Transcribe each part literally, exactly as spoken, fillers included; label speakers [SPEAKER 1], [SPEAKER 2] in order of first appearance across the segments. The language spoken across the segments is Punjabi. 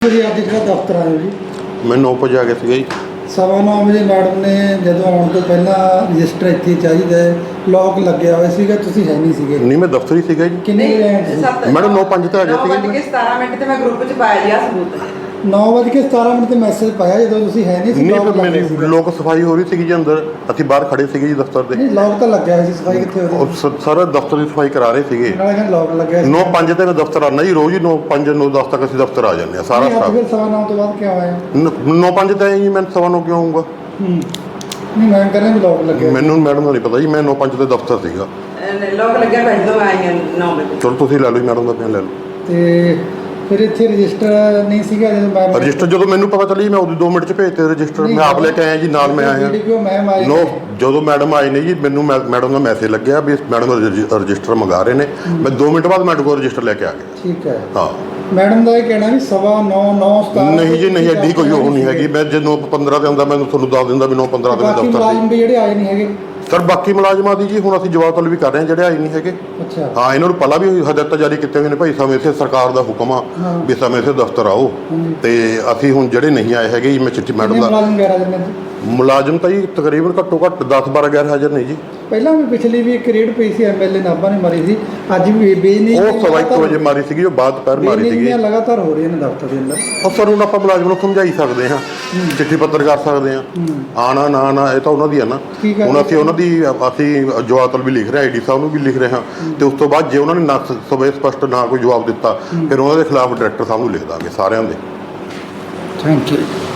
[SPEAKER 1] जी अज जो दफ्तर आए हो जी
[SPEAKER 2] मैं नौ बजे आ गया सीगा जी।
[SPEAKER 1] सवा नौ बजे मैडम ने जो आने तो पहला रजिस्टर इतने चाहिए लॉक लगे हुए सीगा तुसीं है नहीं सीगे
[SPEAKER 2] नहीं मैं दफ्तर ही सीगा जी।
[SPEAKER 1] किन्ने बजे आए तुसीं?
[SPEAKER 2] मैडम नौ पाँच ते आ गया सीगा जी।
[SPEAKER 3] सतारह मिनट ਤੇ ਮੈਂ ਗਰੁੱਪ 'ਚ ਪਾਇਆ ਜੀ ਆ ਸਬੂਤ
[SPEAKER 1] नौ बज के सतारह मिनट मैसेज पाया जो तुसीं है नहीं सी
[SPEAKER 2] नहीं
[SPEAKER 1] लॉक
[SPEAKER 2] फिर
[SPEAKER 1] लग
[SPEAKER 2] मेरी
[SPEAKER 1] गया सीगा।
[SPEAKER 2] लोक सफाई हो रही थी जी अंदर ਅਸੀਂ ਬਾਹਰ ਖੜੇ ਸੀਗੇ ਜੀ ਦਫ਼ਤਰ ਦੇ।
[SPEAKER 1] नहीं लॉक तो लग गया सी सफाई कितने हो
[SPEAKER 2] ਉਹ
[SPEAKER 1] रही
[SPEAKER 2] ਸ- ਸਾਰਾ ਦਫ਼ਤਰ ਦੀ ਸਫਾਈ ਕਰਾ ਰਹੇ ਸੀਗੇ।
[SPEAKER 1] नाले कहने लॉक लग गया
[SPEAKER 2] नौ पाँच ਤੇ ਮੈਂ ਦਫ਼ਤਰ ਆਉਣਾ ਜੀ ਰੋਜ਼ ਹੀ नौ पाँच नौ दस तक ਅਸੀਂ ਦਫ਼ਤਰ ਆ ਜਾਂਦੇ ਆ ਸਾਰਾ
[SPEAKER 1] नहीं, आज फिर सवा नौ तो बाद क्या आया
[SPEAKER 2] ਸਟਾਫ। नौ पाँच ਤੇ ਆਏ ਜੀ ਮੈਂ ਸਵਾ ਨੌ ਕਿਉਂ ਆਊਂਗਾ?
[SPEAKER 1] नहीं मैं कह रहा लॉक लग गया
[SPEAKER 2] ਮੈਨੂੰ ਮੈਡਮ ਦਾ ਨਹੀਂ ਪਤਾ ਜੀ। ਮੈਂ ਨੌ ਪੰਜ ਤੇ ਦਫ਼ਤਰ ਸੀਗਾ।
[SPEAKER 3] ਲੋਕ ਲੱਗਿਆ ਬੈਠ ਦੋ ਆਈ ਹਾਂ ਨੌ ਵਜੇ
[SPEAKER 2] ਚਲੋ ਤੁਸੀਂ ਲੈ ਲਓ ਜੀ ਮੈਡਮ ਦਾ ਬਿਆਨ ਲੈ ਲਓ।
[SPEAKER 1] ਤੇ ਫਿਰ ਇੱਥੇ ਰਜਿਸਟਰ ਨਹੀਂ ਸੀਗਾ ਜਦੋਂ ਮੈਂ
[SPEAKER 2] ਰਜਿਸਟਰ ਜਦੋਂ ਮੈਨੂੰ ਪਤਾ ਚੱਲੀ ਮੈਂ ਉਹਦੀ ਦੋ ਮਿੰਟ ਚ ਭੇਜਤੇ ਰਜਿਸਟਰ। ਮੈਂ ਆਪ ਲੈ ਕੇ ਆਇਆ ਜੀ ਨਾਲ ਮੈਂ ਆਇਆ।
[SPEAKER 1] ਵੀਡੀਓ ਮੈਂ ਮਾਰੀ
[SPEAKER 2] ਨੋ ਜਦੋਂ ਮੈਡਮ ਆਏ ਨੇ ਜੀ ਮੈਨੂੰ ਮੈ- ਮੈਡਮ ਦਾ ਮੈਸੇਜ ਲੱਗਿਆ ਵੀ ਮੈਡਮ ਰਜਿ- ਰਜਿਸਟਰ ਮੰਗਾ ਰਹੇ ਨੇ। ਮੈਂ ਦੋ ਮਿੰਟ ਬਾਅਦ ਮੈਡਮ ਕੋਲ ਰਜਿਸਟਰ ਲੈ ਕੇ ਆ ਗਿਆ।
[SPEAKER 1] ਠੀਕ ਹੈ
[SPEAKER 2] ਹਾਂ
[SPEAKER 1] ਮੈਡਮ ਦਾ ਇਹ ਕਹਿਣਾ ਵੀ ਸਵਾ ਨੌ ਨੌ ਸਤਾਰਾਂ
[SPEAKER 2] ਨਹੀਂ ਜੀ ਨਹੀਂ ਐਡੀ ਕੋਈ ਉਹ ਨਹੀਂ ਹੈਗੀ। ਮੈਂ ਜੇ ਨੌ ਪੰਦਰਾਂ ਤੇ ਆਉਂਦਾ ਮੈਂ ਤੁਹਾਨੂੰ ਦੱਸ ਦਿੰਦਾ ਵੀ ਨੌ ਪੰਦਰਾਂ ਤੇ ਮੈਂ
[SPEAKER 1] ਬਾਕੀ
[SPEAKER 2] ਦਫ਼ਤਰ
[SPEAKER 1] ਮੁਲਾਜ਼ਮ ਵੀ ਜਿਹੜੇ ਆਏ ਨਹੀਂ ਹੈਗੇ
[SPEAKER 2] ਸਰ ਬਾਕੀ ਮੁਲਾਜ਼ਮਾਂ ਦੀ ਜੀ ਹੁਣ ਅਸੀਂ ਜਵਾਬ ਤਲਬ ਵੀ ਕਰ ਰਹੇ ਹਾਂ ਜਿਹੜੇ ਆਏ ਨਹੀਂ ਹੈਗੇ।
[SPEAKER 1] ਅੱਛਾ
[SPEAKER 2] ਹਾਂ ਇਹਨਾਂ ਨੂੰ ਪਹਿਲਾਂ ਵੀ ਹਦਾਇਤਾਂ ਜਾਰੀ ਕੀਤੀਆਂ ਹੋਈਆਂ ਨੇ ਭਾਈ ਸਮੇਂ ਸਿਰ ਸਰਕਾਰ ਦਾ ਹੁਕਮ ਆ ਵੀ ਸਮੇਂ ਸਿਰ ਦਫ਼ਤਰ ਆਓ।
[SPEAKER 1] ਹਾਂਜੀ।
[SPEAKER 2] ਤੇ ਅਸੀਂ ਹੁਣ ਜਿਹੜੇ ਨਹੀਂ ਆਏ ਹੈਗੇ ਜੀ ਮੈਂ ਚਿੱਠੀ ਮੈਡਮ
[SPEAKER 1] ਕਿੰਨੇ
[SPEAKER 2] ਦਾ
[SPEAKER 1] ਮੁਲਾਜ਼ਮ ਗੈਰ ਹਾਜ਼ਰ ਨੇ ਜੀ?
[SPEAKER 2] ਮੁਲਾਜ਼ਮ ਤਾਂ ਜੀ ਤਕਰੀਬਨ ਘੱਟੋ ਘੱਟ ਦਸ ਬਾਰਾਂ ਗੈਰ ਹਾਜ਼ਰ ਨੇ ਜੀ।
[SPEAKER 1] ਪਹਿਲਾਂ ਵੀ ਪਿਛਲੀ ਵੀ ਇੱਕ ਰੇਡ ਪਈ ਸੀ ਐਮਐਲਏ ਨਾਭਾ ਨੇ ਮਾਰੀ ਸੀ ਅੱਜ ਵੀ ਬੇਨੀ
[SPEAKER 2] ਉਹ ਸਵਾ ਇੱਕ ਵਜੇ ਮਾਰੀ ਸੀਗੀ ਉਹ ਬਾਅਦ ਦੁਪਹਿਰ ਮਾਰੀ ਸੀਗੀ।
[SPEAKER 1] ਲਗਾਤਾਰ ਹੋ ਰਹੀਆਂ ਨੇ ਦਫ਼ਤਰ ਦੇ ਅੰਦਰ।
[SPEAKER 2] ਉਹ ਸਰ ਹੁਣ ਆਪਾਂ ਮੁਲਾਜ਼ਮ ਨੂੰ ਸਮਝਾਈ ਸਕਦੇ ਹਾਂ ਚਿੱਠੀ ਪੱਤਰ ਕਰ ਸਕਦੇ ਹਾਂ ਆਣਾ ਨਾ ਨਾ ਇਹ ਤਾਂ ਉਹਨਾਂ ਦੀ ਆ ਨਾ।
[SPEAKER 1] ਠੀਕ ਹੈ।
[SPEAKER 2] ਹੁਣ ਅਸੀਂ ਉਹਨਾਂ ਦੀ ਅਸੀਂ ਜਵਾਬ ਤਲਬ ਵੀ ਲਿਖ ਰਹੇ ਹਾਂ ਆਈਡੀ ਸਾਹਿਬ ਨੂੰ ਵੀ ਲਿਖ ਰਹੇ ਹਾਂ ਤੇ ਉਸ ਤੋਂ ਬਾਅਦ ਜੇ ਉਹਨਾਂ ਨੇ ਨਾ ਸਵੇ ਸਪਸ਼ਟ ਨਾ ਕੋਈ ਜਵਾਬ ਦਿੱਤਾ ਫਿਰ ਉਹਨਾਂ ਦੇ ਖਿਲਾਫ ਡਾਇਰੈਕਟਰ ਸਾਹਿਬ ਨੂੰ ਲਿਖ ਦਾਂਗੇ ਸਾਰਿਆਂ ਦੇ।
[SPEAKER 1] ਥੈਂਕ ਯੂ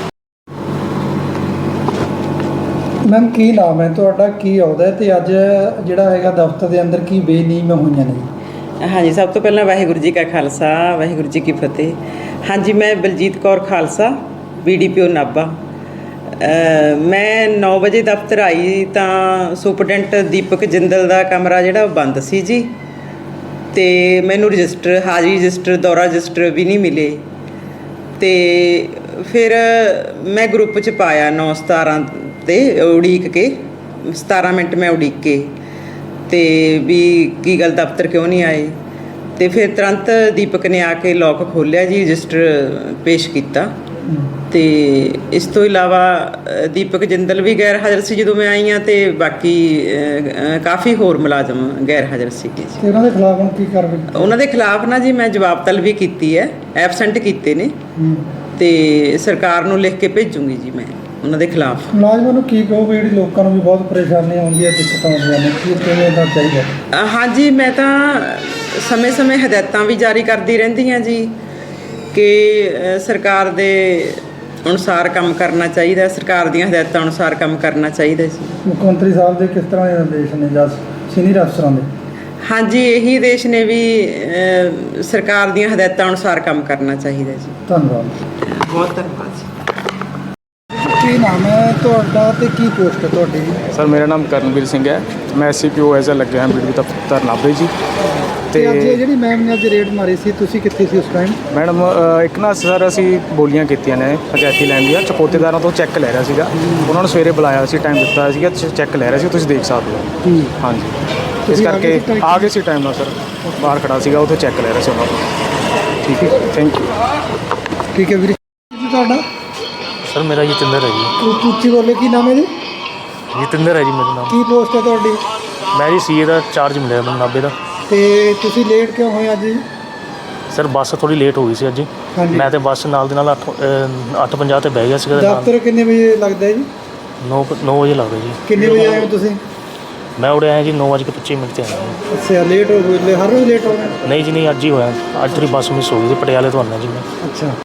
[SPEAKER 1] ਮੈਮ ਕੀ ਨਾਮ ਹੈ ਤੁਹਾਡਾ ਕੀ ਆਉਂਦਾ ਤੇ ਅੱਜ ਜਿਹੜਾ ਹੈਗਾ ਦਫ਼ਤਰ ਦੇ ਅੰਦਰ ਕੀ ਬੇਨੀਮੀਆਂ ਹੋਈਆਂ ਨੇ?
[SPEAKER 3] ਹਾਂਜੀ ਸਭ ਤੋਂ ਪਹਿਲਾਂ ਵਾਹਿਗੁਰੂ ਜੀ ਕਾ ਖਾਲਸਾ ਵਾਹਿਗੁਰੂ ਜੀ ਕੀ ਫਤਿਹ। ਹਾਂਜੀ ਮੈਂ ਬਲਜੀਤ ਕੌਰ ਖਾਲਸਾ ਬੀਡੀਪੀਓ ਨਾਭਾ। ਅ, ਮੈਂ ਨੌ ਵਜੇ ਦਫ਼ਤਰ ਆਈ ਤਾਂ ਸੁਪਰਡੈਂਟ ਦੀਪਕ ਜਿੰਦਲ ਦਾ ਕਮਰਾ ਜਿਹੜਾ ਉਹ ਬੰਦ ਸੀ ਜੀ ਤੇ ਮੈਨੂੰ ਰਜਿਸਟਰ ਹਾਜ਼ਰੀ ਰਜਿਸਟਰ ਦੌਰਾ ਰਜਿਸਟਰ ਵੀ ਨਹੀਂ ਮਿਲੇ ਤੇ ਫਿਰ ਮੈਂ ਗਰੁੱਪ 'ਚ ਪਾਇਆ ਨੌ ਸਤਾਰਾਂ ਤੇ ਉਡੀਕ ਕੇ ਸਤਾਰਾਂ ਮਿੰਟ ਮੈਂ ਉਡੀਕ ਕੇ ਤੇ ਵੀ ਕੀ ਗੱਲ ਦਫ਼ਤਰ ਕਿਉਂ ਨਹੀਂ ਆਏ ਤੇ ਫਿਰ ਤੁਰੰਤ ਦੀਪਕ ਨੇ ਆ ਕੇ ਲੋਕ ਖੋਲ੍ਹਿਆ ਜੀ ਰਜਿਸਟਰ ਪੇਸ਼ ਕੀਤਾ ਤੇ ਇਸ ਤੋਂ ਇਲਾਵਾ ਅ, ਦੀਪਕ ਜਿੰਦਲ ਵੀ ਗੈਰ ਹਾਜ਼ਰ ਸੀ ਜਦੋਂ ਮੈਂ ਆਈ ਹਾਂ ਤੇ ਬਾਕੀ ਅ, ਅ, ਕਾਫੀ ਹੋਰ ਮੁਲਾਜ਼ਮ ਗੈਰ ਹਾਜ਼ਰ ਸੀਗੇ ਜੀ।
[SPEAKER 1] ਤੇ ਉਹਨਾਂ ਦੇ ਖਿਲਾਫ ਹੁਣ ਕੀ ਕਾਰਵਾਈ ਕੀਤੀ?
[SPEAKER 3] ਉਹਨਾਂ ਦੇ ਖਿਲਾਫ ਨਾ ਜੀ ਮੈਂ ਜਵਾਬ ਤਲਬੀ ਕੀਤੀ ਹੈ ਐਬਸੈਂਟ ਕੀਤੇ ਨੇ
[SPEAKER 1] ਹੂੰ।
[SPEAKER 3] ਤੇ ਸਰਕਾਰ ਨੂੰ ਲਿਖ ਕੇ ਭੇਜੂੰਗੀ ਜੀ ਮੈਂ ਉਹਨਾਂ ਦੇ ਖਿਲਾਫ।
[SPEAKER 1] ਮੁਲਾਜ਼ਮਾਂ ਨੂੰ ਕੀ ਕਹੋਗੇ ਜਿਹੜੀ ਲੋਕਾਂ ਨੂੰ ਵੀ ਬਹੁਤ ਪਰੇਸ਼ਾਨੀ ਆਉਂਦੀ ਹੈ ਦਿੱਕਤਾਂ ਆਉਂਦੀਆਂ ਨੇ ਕੀ ਕਿਵੇਂ ਦਾ ਚਾਹੀਦਾ?
[SPEAKER 3] ਅ, ਹਾਂਜੀ ਮੈਂ ਤਾਂ ਸਮੇਂ-ਸਮੇਂ ਹਦਾਇਤਾਂ ਵੀ ਜਾਰੀ ਕਰਦੀ ਰਹਿੰਦੀ ਹਾਂ ਜੀ ਕਿ ਅ, ਸਰਕਾਰ ਦੇ ਅਨੁਸਾਰ ਕੰਮ ਕਰਨਾ ਚਾਹੀਦਾ ਸਰਕਾਰ ਦੀਆਂ ਹਦਾਇਤਾਂ ਅਨੁਸਾਰ ਕੰਮ ਕਰਨਾ ਚਾਹੀਦਾ ਜੀ।
[SPEAKER 1] ਮੁੱਖ ਮੰਤਰੀ ਸਾਹਿਬ ਦੇ ਕਿਸ ਤਰ੍ਹਾਂ ਦੇ ਨਿਰਦੇਸ਼ ਨੇ ਜਾਂ ਸੀਨੀਅਰ ਅਫਸਰਾਂ ਦੇ?
[SPEAKER 3] ਹਾਂਜੀ ਇਹੀ ਦੇਸ਼ ਨੇ ਵੀ ਅ, ਸਰਕਾਰ ਦੀਆਂ ਹਦਾਇਤਾਂ ਅਨੁਸਾਰ ਕੰਮ ਕਰਨਾ ਚਾਹੀਦਾ ਜੀ।
[SPEAKER 1] ਧੰਨਵਾਦ।
[SPEAKER 3] ਬਹੁਤ ਧੰਨਵਾਦ ਜੀ।
[SPEAKER 1] ਕੀ ਨਾਮ ਹੈ ਤੁਹਾਡਾ ਤੇ ਕੀ ਪੋਸਟ ਹੈ ਤੁਹਾਡੀ?
[SPEAKER 4] ਸਰ ਮੇਰਾ ਨਾਮ ਕਰਨਵੀਰ ਸਿੰਘ ਹੈ। ਮੈਂ S C P O as a ਲੱਗਿਆ ਹਾਂ ਬੀਡੀ ਦਫ਼ਤਰ ਨਾਭੇ ਜੀ।
[SPEAKER 1] ਤੇ ਅੱਜ
[SPEAKER 4] ਤੇ
[SPEAKER 1] ਜਿਹੜੀ ਮੈਮ ਨੇ ਅੱਜ ਰੇਡ ਮਾਰੀ ਸੀ ਤੁਸੀਂ ਕਿੱਥੇ ਸੀ ਉਸ ਟਾਈਮ?
[SPEAKER 4] ਮੈਡਮ ਅ, ਇੱਕ ਨਾ ਸਰ ਅਸੀਂ ਬੋਲੀਆਂ ਕੀਤੀਆਂ ਨੇ ਪੰਚਾਇਤੀ ਲੈਣ ਦੀਆਂ ਚਪੋਤੇਦਾਰਾਂ ਤੋਂ ਚੈੱਕ ਲੈ ਰਿਹਾ ਸੀਗਾ। ਉਹਨਾਂ ਨੂੰ ਸਵੇਰੇ ਬੁਲਾਇਆ ਸੀ ਟਾਈਮ ਦਿੱਤਾ ਸੀਗਾ ਚੈੱਕ ਲੈ ਰਿਹਾ ਸੀ ਤੁਸੀਂ ਦੇਖ ਸਕਦੇ ਹੋ। ਹਾਂਜੀ ਇਸ
[SPEAKER 1] ਤੁਸੀਂ ਆ ਗਏ
[SPEAKER 4] ਕਰਕੇ
[SPEAKER 1] ਸੀ time
[SPEAKER 4] ਆ ਗਏ ਸੀ ਟਾਈਮ ਨਾਲ ਸਰ ਬਾਹਰ ਖੜਾ ਸੀਗਾ ਉੱਥੇ ਚੈੱਕ ਲੈ ਰਿਹਾ ਸੀ ਉਹਨਾਂ ਤੋਂ। ਠੀਕ ਹੈ ਥੈਂਕ ਯੂ।
[SPEAKER 1] ਠੀਕ ਹੈ ਵੀਰੇ ਜੀ ਤੁਹਾਡਾ?
[SPEAKER 5] ਸਰ ਮੇਰਾ ਜਤਿੰਦਰ ਹੈ ਜੀ।
[SPEAKER 1] ਉੱਚੀ ਉੱਚੀ ਬੋਲੇ ਕੀ ਨਾਮ ਹੈ ਜੀ?
[SPEAKER 5] ਜਤਿੰਦਰ ਹੈ ਜੀ ਮੇਰਾ ਨਾਮ।
[SPEAKER 1] ਕੀ ਪੋਸਟ ਹੈ ਤੁਹਾਡੀ?
[SPEAKER 5] ਮੈਂ ਜੀ ਸੀਏ ਦਾ ਚਾਰਜ ਮਿਲਿਆ ਮੈਨੂੰ ਨਾਭੇ ਦਾ।
[SPEAKER 1] ਤੇ ਤੁਸੀਂ ਲੇਟ ਕਿਉਂ ਹੋਏ ਅੱਜ?
[SPEAKER 5] ਸਰ ਬੱਸ ਥੋੜੀ ਲੇਟ ਹੋ ਗਈ ਸੀ ਅੱਜ।
[SPEAKER 1] ਹਾਂਜੀ।
[SPEAKER 5] ਮੈਂ ਤੇ ਬੱਸ ਨਾਲ ਦੇ ਨਾਲ ਅੱਠ ਅੱਠ ਪੰਜਾਹ ਤੇ ਬਹਿ ਗਿਆ ਸੀਗਾ ਤੇ ਨਾਲ
[SPEAKER 1] ਦਫ਼ਤਰ ਕਿੰਨੇ ਵਜੇ ਲੱਗਦਾ ਹੈ ਜੀ?
[SPEAKER 5] ਨੌ ਨੌ ਵਜੇ ਲੱਗ ਗਏ ਜੀ।
[SPEAKER 1] ਕਿੰਨੇ ਵਜੇ ਆਏ ਹੋ ਤੁਸੀਂ?
[SPEAKER 5] ਮੈਂ ਉੜੇ ਆਇਆ ਜੀ ਨੌ ਵਜੇ ਕੇ ਪੱਚੀ ਮਿੰਟ ਤੇ ਆਇਆ ਜੀ।
[SPEAKER 1] ਅੱਛਾ ਲੇਟ ਹੋ ਗਏ ਹਰ ਰੋਜ਼ ਲੇਟ ਹੋ ਗਏ?
[SPEAKER 5] ਨਹੀਂ ਜੀ ਨਹੀਂ ਅੱਜ ਹੀ ਹੋਇਆ। ਅੱਜ ਥੋੜੀ ਬੱਸ ਮਿਸ ਹੋ ਗਈ ਸੀ ਪਟਿਆਲੇ ਤੋਂ ਆਉਣਾ ਜੀ ਮੈਂ।
[SPEAKER 1] ਅੱਛਾ